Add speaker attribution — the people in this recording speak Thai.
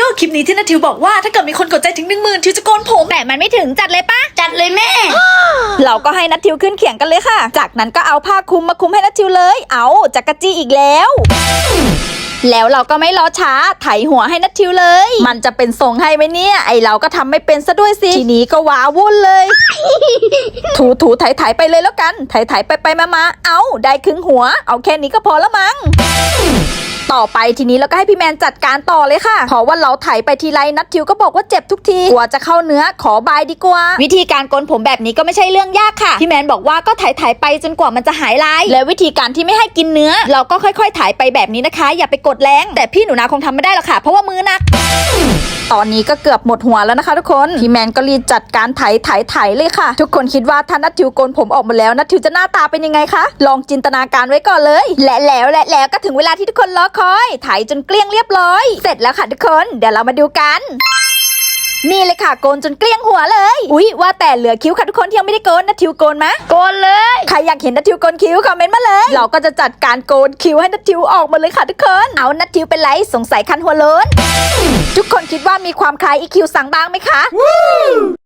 Speaker 1: อบคลิปนี้ที่นัททิวบอกว่าถ้าเกิดมีคนกดใจถึง 10,000 ทิวจะโกนผม
Speaker 2: แต่มันไม่ถึงจัดเลยปะ
Speaker 3: จัดเลยแม่
Speaker 2: เราก็ให้นัททิวขึ้นเขียงกันเลยค่ะจากนั้นก็เอาผ้าคลุมมาคลุมให้นัททิวเลยเอาจักรจี้อีกแล้วเราก็ไม่รอช้าไถหัวให้นัททิวเลยมันจะเป็นทรงให้ไหมเนี่ยไอเราก็ทำไม่เป็นซะด้วยสิทีนี้ก็ว้าวุ่นเลย ถูไถไปเลยแล้วกันไถไปมาเอาได้ครึ่งหัวเอาแค่นี้ก็พอแล้วมั้งต่อไปทีนี้เราก็ให้พี่แมนจัดการต่อเลยค่ะเพราะว่าเราไถไปทีไรนัททิวก็บอกว่าเจ็บทุกทีกลัวจะเข้าเนื้อขอบายดีกว่าวิธีการโกนผมแบบนี้ก็ไม่ใช่เรื่องยากค่ะพี่แมนบอกว่าก็ไถไปจนกว่ามันจะหายลายและวิธีการที่ไม่ให้กินเนื้อเราก็ค่อยๆไถไปแบบนี้นะคะอย่าไปกดแรงแต่พี่หนูนาคงทำไม่ได้หรอกค่ะเพราะว่ามือหนักตอนนี้ก็เกือบหมดหัวแล้วนะคะทุกคนพี่แมนก็รีบจัดการไถเลยค่ะทุกคนคิดว่าถ้านัททิวโกนผมออกมาแล้วนัททิวจะหน้าตาเป็นยังไงคะลองจินตนาการไว้ก่อนเลยและแล้วก็ถึงเวลาที่ทุกคนรอคอยไถจนเกลี้ยงเรียบร้อยเสร็จแล้วค่ะทุกคนเดี๋ยวเรามาดูกันนี่เลยค่ะโกนจนเกลี้ยงหัวเลยอุ๊ยว่าแต่เหลือคิ้วค่ะทุกคนที่ยังไม่ได้โกนนัททิวโกนมะ
Speaker 3: โกนเลย
Speaker 2: ใครอยากเห็นนัททิวโกนคิ้วคอมเมนต์มาเลยเราก็จะจัดการโกนคิ้วให้นัททิวออกมาเลยค่ะทุกคนเอานัททิวเป็นไรสงสัยคันหัวโล้นทุกคนคิดว่ามีความคล้ายอีคิวสั่งบ้างไหมคะ